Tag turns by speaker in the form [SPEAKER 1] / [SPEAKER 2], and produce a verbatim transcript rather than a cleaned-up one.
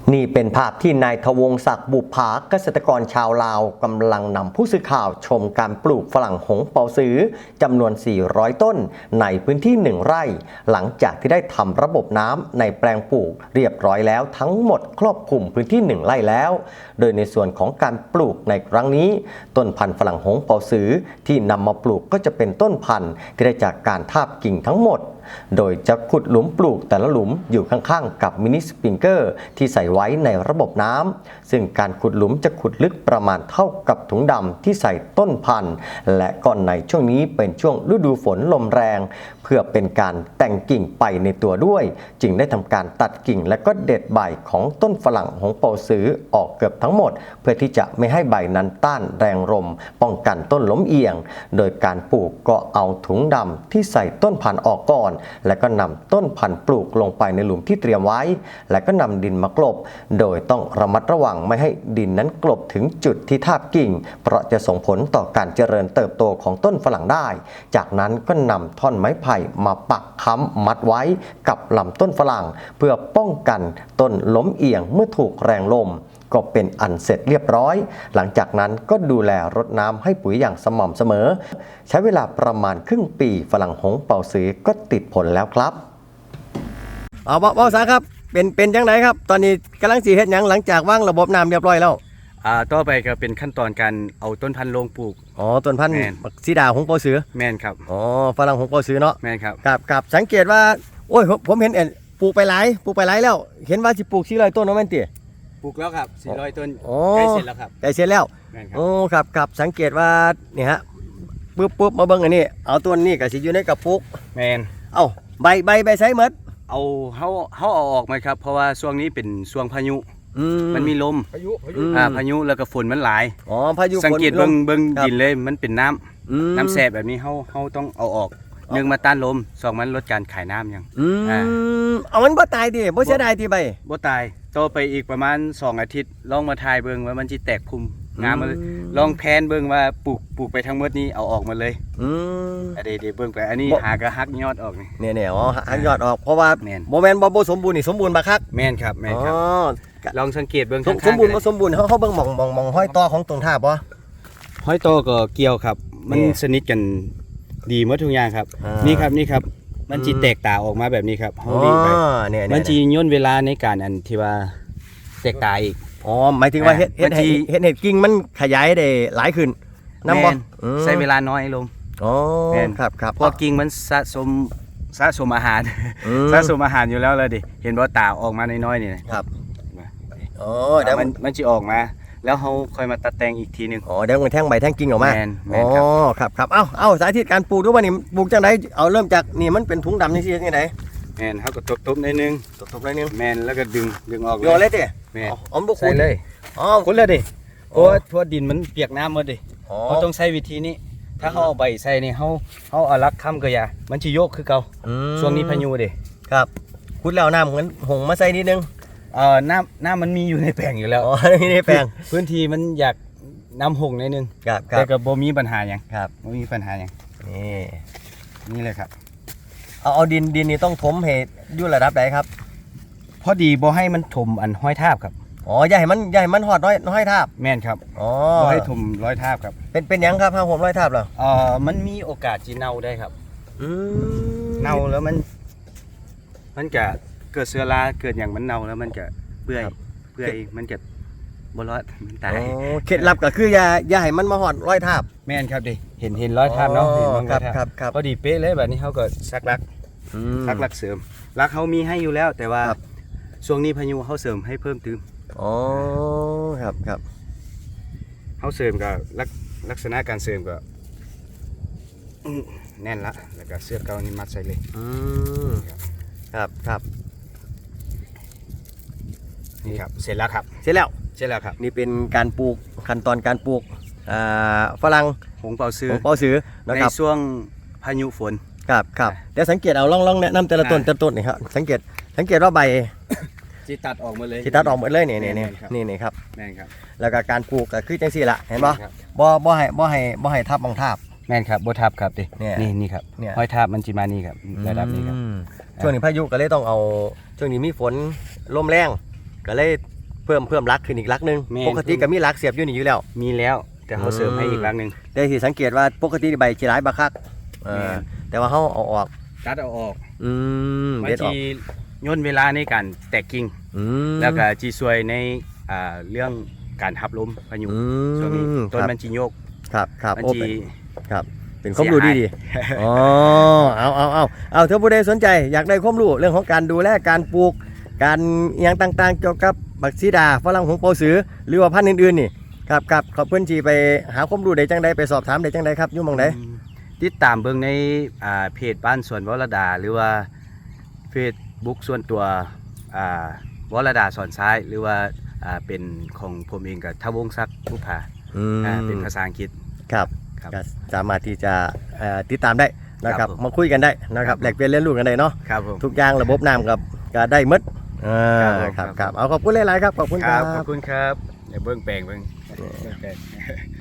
[SPEAKER 1] นี่เป็นภาพที่นายทวงศักดิ์บุภาเกษตรกรชาวลาวกำลังนำผู้สื่อข่าวชมการปลูกฝรั่งหงเปาซื้อจำนวน สี่ร้อย ต้นในพื้นที่หนึ่งไร่หลังจากที่ได้ทำระบบน้ำในแปลงปลูกเรียบร้อยแล้วทั้งหมดครอบคลุมพื้นที่หนึ่งไร่แล้วโดยในส่วนของการปลูกในครั้งนี้ต้นพันธุ์ฝรั่งหงเปาซื้อที่นำมาปลูกก็จะเป็นต้นพันธุ์ที่ได้จากการทาบกิ่งทั้งหมดโดยจะขุดหลุมปลูกแต่ละหลุมอยู่ข้างๆกับมินิสปริงเกอร์ที่ใส่ไว้ในระบบน้ำซึ่งการขุดหลุมจะขุดลึกประมาณเท่ากับถุงดำที่ใส่ต้นพันธุ์และก่อนในช่วงนี้เป็นช่วงฤดูฝนลมแรงเพื่อเป็นการแต่งกิ่งไปในตัวด้วยจึงได้ทำการตัดกิ่งและก็เด็ดใบของต้นฝรั่งหงเปาซื้อออกเกือบทั้งหมดเพื่อที่จะไม่ให้ใบนั้นต้านแรงลมป้องกันต้นล้มเอียงโดยการปลูกก็เอาถุงดำที่ใส่ต้นพันธุ์ออกก่อนและก็นำต้นพันธุ์ปลูกลงไปในหลุมที่เตรียมไว้และก็นำดินมากลบโดยต้องระมัดระวังไม่ให้ดินนั้นกลบถึงจุดที่ทาบกิ่งเพราะจะส่งผลต่อการเจริญเติบโตของต้นฝรั่งได้จากนั้นก็นำท่อนไม้ไผ่มาปักค้ำมัดไว้กับลำต้นฝรั่งเพื่อป้องกันต้นล้มเอียงเมื่อถูกแรงลมก็เป็นอันเสร็จเรียบร้อยหลังจากนั้นก็ดูแลรดน้ำให้ปุ๋ยอย่างสม่ำเสมอใช้เวลาประมาณครึ่งปีฝรั่งหงเปาซื้อก็ติดผลแล้วครับเอาบ่าวสาครับเป็นเป็นจังไดครับตอนนี้กำลังสีเฮ็ดหยังหลังจากวางระบบน้ำเรียบร้อยแล้ว
[SPEAKER 2] อ่าต่อไปก็เป็นขั้นตอนการเอาต้นพันธุ์ลงปลูก
[SPEAKER 1] อ๋อต้นพันธุ์สีดาหงเปาซื้อ
[SPEAKER 2] แม่นครับ
[SPEAKER 1] อ๋อฝรั่งหงเปาซื้อเนาะ
[SPEAKER 2] แม่นครับ
[SPEAKER 1] กับกับสังเกตว่าโอ้ยผมเห็นเอ็นปลูกไปหลายปลูกไปหลายแล้วเห็นว่าสิปลูกสี่ร้อยต้นเนาะแม่นติ
[SPEAKER 2] ปลูกแล้วครับสี่ร้อยต้น
[SPEAKER 1] ใก
[SPEAKER 2] ล้เสร็จแล้วครับ
[SPEAKER 1] ใกล้เสร็จแล้วโอ้ครับครับสังเกตว่าเนี่ยฮะปุ๊บปุ๊บมาเบิ่งอันนี้เอาต้นนี้ก็สิอยู่ในกระปุก
[SPEAKER 2] แมน
[SPEAKER 1] เอ้าใบใบใบไซหมด
[SPEAKER 2] เอาเฮาเฮาเอาออกมาครับเพราะว่าช่วงนี้เป็นช่วงพายุมันมีลม
[SPEAKER 3] พายุพายุ
[SPEAKER 2] อ่าพายุแล้วก็ฝนมันหลาย
[SPEAKER 1] อ๋อพายุ
[SPEAKER 2] สังเกตเบิ่งเบิ่งดินเลยมันเป็นน้ำน้ำแสบแบบนี้เฮาเฮาต้องเอาออกหนึ่งมาต้านลมสองมันลดการขายน้ำยัง
[SPEAKER 1] อ่าเอามันบ่ตายดิบ่เสียดายติใบ
[SPEAKER 2] บ่ตายโตไปอีกประมาณสองอาทิตย์ลองมาทายเบิ่งว่ามันสิแตกคุมงามมาเลยลองแพนเบิ่งว่าปลูกปลูกไปทั้งหมดนี้เอาออกมาเลยอืมอันนี้เดี๋ยวเบิ่งไปอันนี้หากระหักยอดออกนี่
[SPEAKER 1] เนี่ยๆอ๋อหักยอดออกเพราะว่าบ่แม่นบ่บ่สมบูรณ์นี่สมบูรณ์บักคัก
[SPEAKER 2] แม่นครับแม่นครับลองสังเกตเบิ่ง
[SPEAKER 1] ข้างๆสมบูรณ์บ่สมบูรณ์เฮาเฮาเบิ่งหม่องๆๆห้อยต่อของต้นท่าบ่
[SPEAKER 2] ห้อยต่อก็เกี่ยวครับมันสนิทกันดีหมดทุกอย่างครับนี่ครับนี่ครับมันจีแตกตาออกมาแบบนี้ครับ
[SPEAKER 1] อ๋อเนี่ย
[SPEAKER 2] มันจีย่นเวลาในการอันที่ว่าแตกตาอีก
[SPEAKER 1] อ๋อหมายถึงว่าเฮ็ดเฮ็ดเฮ็ดเฮ็ดกิ่งมันขยายได้หลายขึ้นนำบ่
[SPEAKER 2] ใช้เวลาน้อยลง
[SPEAKER 1] อ๋อครับครับ
[SPEAKER 2] เพราะกิ่งมันสะสมสะสมอาหารสะสมอาหารอยู่แล้วเลยดิเห็นบ่ตาออกมาน้อยๆนี่
[SPEAKER 1] ครับ
[SPEAKER 2] อ๋อเดี๋ยวมันมันสิออกมาแล้วเขาค่อยมาตัดแต่งอีกทีนึง
[SPEAKER 1] อ๋อเดี๋ยวมันแท่งใบแท่งกิ่งออกมา
[SPEAKER 2] อ๋อ
[SPEAKER 1] ครับครับเอ้าเอ้าสาธิตการปลูกดูว่านี่ปลูกจังไดเอาเริ่มจากนี่มันเป็นถุงดำนี่สิจังได
[SPEAKER 2] แมนเขาก็ตบๆนิดนึง
[SPEAKER 1] ตบๆนิดนึง
[SPEAKER 2] แมนแล้วก็ดึงดึงออก
[SPEAKER 1] โยนเลยดิ
[SPEAKER 2] แมน
[SPEAKER 1] อ๋อบ่
[SPEAKER 2] ขุดเลยอ๋อขุดเลยดิโอ้ทั่วดินมันเปียกน้ำหมดดิเขาต้องใช้วิธีนี้ถ้าเขาเอาใบใส่นี่เขาเขาเอาลักค้ำก็อย่ามันจะโยกคือเก่าช่วงนี้พายุดิ
[SPEAKER 1] ครับขุดแล้วน้ำเหมือนหงมาใส่นิดนึง
[SPEAKER 2] เอ่อน้ำน้ำมันมีอยู่ในแปลงอยู่แล้ว
[SPEAKER 1] อ๋อในแปลง
[SPEAKER 2] พื้นที่มันอยากน้ำหงนิดนึงแต่ก็บ่มีปัญหาอย่าง
[SPEAKER 1] ครับ
[SPEAKER 2] บ่มีปัญหาอย่าง
[SPEAKER 1] นี่
[SPEAKER 2] นี่เลยครับ
[SPEAKER 1] เอาเอาดินดินนี่ต้องถมให้อยู่ระดับใดครับ
[SPEAKER 2] พอดีบ่ให้มันถมอันห้อยทาบครับ
[SPEAKER 1] อ๋ออย่าให้มันอย่าให้มันหอดน้อยน้อยทาบ
[SPEAKER 2] แม่นครับ
[SPEAKER 1] อ๋อ
[SPEAKER 2] บ่ให้ถมร้อยทาบครับ
[SPEAKER 1] เป็นเป็นยังครับห้าผมร้อยทาบเหรอ
[SPEAKER 2] เอ่อมันมีโอกาสจีเน่าได้ครับ
[SPEAKER 1] อืม
[SPEAKER 2] เน่าแล้วมันมันจะเกิดเชื้อราเกิดอย่างมันเน่าแล้วมันจะเปื่อยเปื่อยมันจะบ่รอดมันตาย
[SPEAKER 1] เคล็ดลับก็คืออย่าอย่าให้มันมาหอดร้อยทาบ
[SPEAKER 2] แม่นครับดิเห็นเห็นร้อยทาบเนาะเห็นมัน
[SPEAKER 1] ครับครับครับ
[SPEAKER 2] พอดีเป๊ะเลยแบบนี้เขาก็ซักรักซักรักเสริมรักเขามีให้อยู่แล้วแต่ว่าช่วงนี้พายุเขาเสริมให้เพิ่มเติม
[SPEAKER 1] อ๋อครับครับ
[SPEAKER 2] เขาเสริมกับลักษณะการเสริมก็แน่นละแล้วก็เสื้อเก่านี่มัดใส่เลย
[SPEAKER 1] อืมครับครับ
[SPEAKER 2] นี่ครับเสร็จแล้วครับ
[SPEAKER 1] เสร็จแล้ว
[SPEAKER 2] เสร็จแล้วครับ
[SPEAKER 1] นี่เป็นการปลูกขั้นตอนการปลูกฝรั่ง
[SPEAKER 2] หงเปาซื้อ
[SPEAKER 1] หงเปาซื้อ
[SPEAKER 2] ในช่วงพายุฝน
[SPEAKER 1] ครับครับเดี๋ยวสังเกตเอาล่องล่องแนะนำแต่ละต้นแต่ละต้นนี่ครับสังเกตสังเกตว่าใบ
[SPEAKER 2] ที่ตัดออกมาเลย
[SPEAKER 1] ที่ตัดออกหมดเลยนี่นี่นี่นี่นี่ครับ
[SPEAKER 2] แม่นครับ
[SPEAKER 1] แล้วก็การปลูกก็คือจังซี่ละเห็นบ่บ่บ่ให้บ่ให้บ่ให้ทับบางทับ
[SPEAKER 2] แม่นครับบ่ทับครับดินี่นี่ครับห้อยทับมันจิมานี่ครับระดับนี้ครับ
[SPEAKER 1] ช่วงนี้พายุก็เลยต้องเอาช่วงนี้มีฝนลมแรงก็เลยเพิ่มเพิ่มรักขึ้นอีกรักหนึง
[SPEAKER 2] แม่น
[SPEAKER 1] ปกติก็มีรักเสียบอยู่นี่อยู่แล้ว
[SPEAKER 2] มีแล้วแต่เขาเสริมให้อีกรังหนึง
[SPEAKER 1] ได้สิสังเกตว่าปกติใบสิหลายบักคักเออ
[SPEAKER 2] แม่น
[SPEAKER 1] แต่ว่าเฮาเอาออก
[SPEAKER 2] ตัดเอาออก
[SPEAKER 1] อืม
[SPEAKER 2] บาง
[SPEAKER 1] เด็ดออก
[SPEAKER 2] ทีย่นเวลาในการแตกกิ่ง
[SPEAKER 1] อืม
[SPEAKER 2] แล้วก็จีซวยในอ่าเรื่องการหับลมพายุ
[SPEAKER 1] อืม
[SPEAKER 2] ช่วงนี้ต้น
[SPEAKER 1] ครับ
[SPEAKER 2] มันจีโยก
[SPEAKER 1] ครับครับ
[SPEAKER 2] มัน
[SPEAKER 1] โอ้
[SPEAKER 2] จี
[SPEAKER 1] เป็นครับเป็นความรู้ดีดี
[SPEAKER 2] เสียหาย
[SPEAKER 1] อ๋อเอาเอาเอาเอาถ้าผู้ใดสนใจอยากได้ความรู้เรื่องของการดูแลการปลูกการอหย่างต่างๆ เกี่ยวกับบักซีดาฝรั่งหงเปาสือหรือว่าพันธุ์อื่นๆนี่ครับครับขอบเพื่อนจีไปหาความรู้ได้จังใดไปสอบถามได้จังใดครับอยู่หมองใด
[SPEAKER 2] ติดตามเบิ่งในอ่าเพจบ้านสวนวรดา หรือว่าเฟซบุ๊กส่วนตัวอ่าวรดาสอนซ้าย หรือว่าอ่าเป็นของผมเองกับทวงศักดิ์บุภา
[SPEAKER 1] อืม
[SPEAKER 2] อ่าเป็นภาษาอังกฤษ
[SPEAKER 1] ครับ
[SPEAKER 2] ครับ
[SPEAKER 1] ก็สามารถที่จะเอ่อติดตามได้นะครับ
[SPEAKER 2] ครับผม
[SPEAKER 1] มาคุยกันได้นะค
[SPEAKER 2] ครั
[SPEAKER 1] รับบ แลกเปลี่ยนเรียนรู้กันได้เนาะ
[SPEAKER 2] ครับผม
[SPEAKER 1] ทุกอย่างระบบน้ำกับก็ได้หมดอ่า
[SPEAKER 2] ครับผม
[SPEAKER 1] ครับครับเอาขอบคุณหลายๆครับขอบคุณ
[SPEAKER 2] ค
[SPEAKER 1] ค
[SPEAKER 2] รั
[SPEAKER 1] รั
[SPEAKER 2] บบ ขอบคุณครับเดี๋ยวเบิ่งแปลงเบิ่งเบิ่งแปลง